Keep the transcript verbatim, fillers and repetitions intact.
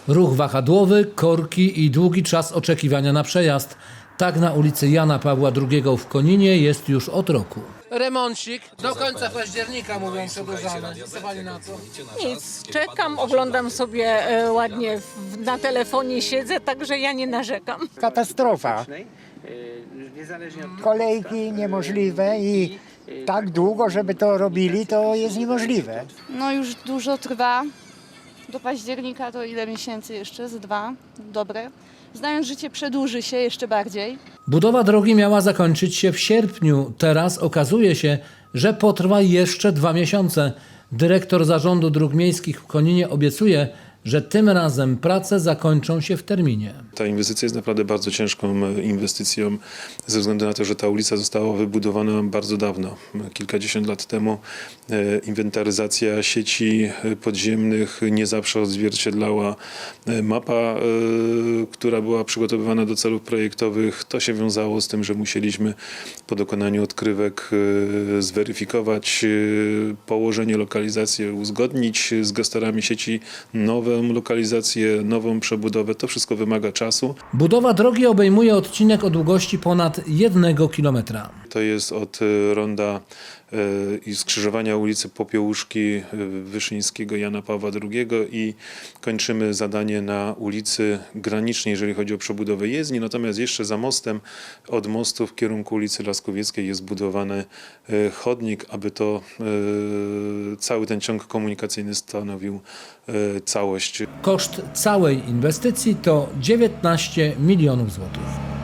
Ruch wahadłowy, korki i długi czas oczekiwania na przejazd. Tak na ulicy Jana Pawła drugiego w Koninie jest już od roku. Remoncik do końca października, mówią, przedłużamy. Co pani na to? Nic, czekam, oglądam sobie e, ładnie, w, na telefonie siedzę, także ja nie narzekam. Katastrofa. Kolejki niemożliwe i tak długo, żeby to robili, to jest niemożliwe. No już dużo trwa. Do października to ile miesięcy jeszcze? Z dwa. Dobre. Znając życie, przedłuży się jeszcze bardziej. Budowa drogi miała zakończyć się w sierpniu. Teraz okazuje się, że potrwa jeszcze dwa miesiące. Dyrektor Zarządu Dróg Miejskich w Koninie obiecuje, że tym razem prace zakończą się w terminie. Ta inwestycja jest naprawdę bardzo ciężką inwestycją ze względu na to, że ta ulica została wybudowana bardzo dawno, kilkadziesiąt lat temu. Inwentaryzacja sieci podziemnych nie zawsze odzwierciedlała mapa, która była przygotowywana do celów projektowych. To się wiązało z tym, że musieliśmy po dokonaniu odkrywek zweryfikować położenie, lokalizację, uzgodnić z gestorami sieci nowe lokalizację, nową przebudowę. To wszystko wymaga czasu. Budowa drogi obejmuje odcinek o długości ponad jednego kilometra. To jest od ronda i skrzyżowania ulicy Popiełuszki Wyszyńskiego Jana Pawła drugiego i kończymy zadanie na ulicy Granicznej, jeżeli chodzi o przebudowę jezdni. Natomiast jeszcze za mostem, od mostu w kierunku ulicy Laskowieckiej jest budowany chodnik, aby to cały ten ciąg komunikacyjny stanowił całość. Koszt całej inwestycji to dziewiętnaście milionów złotych.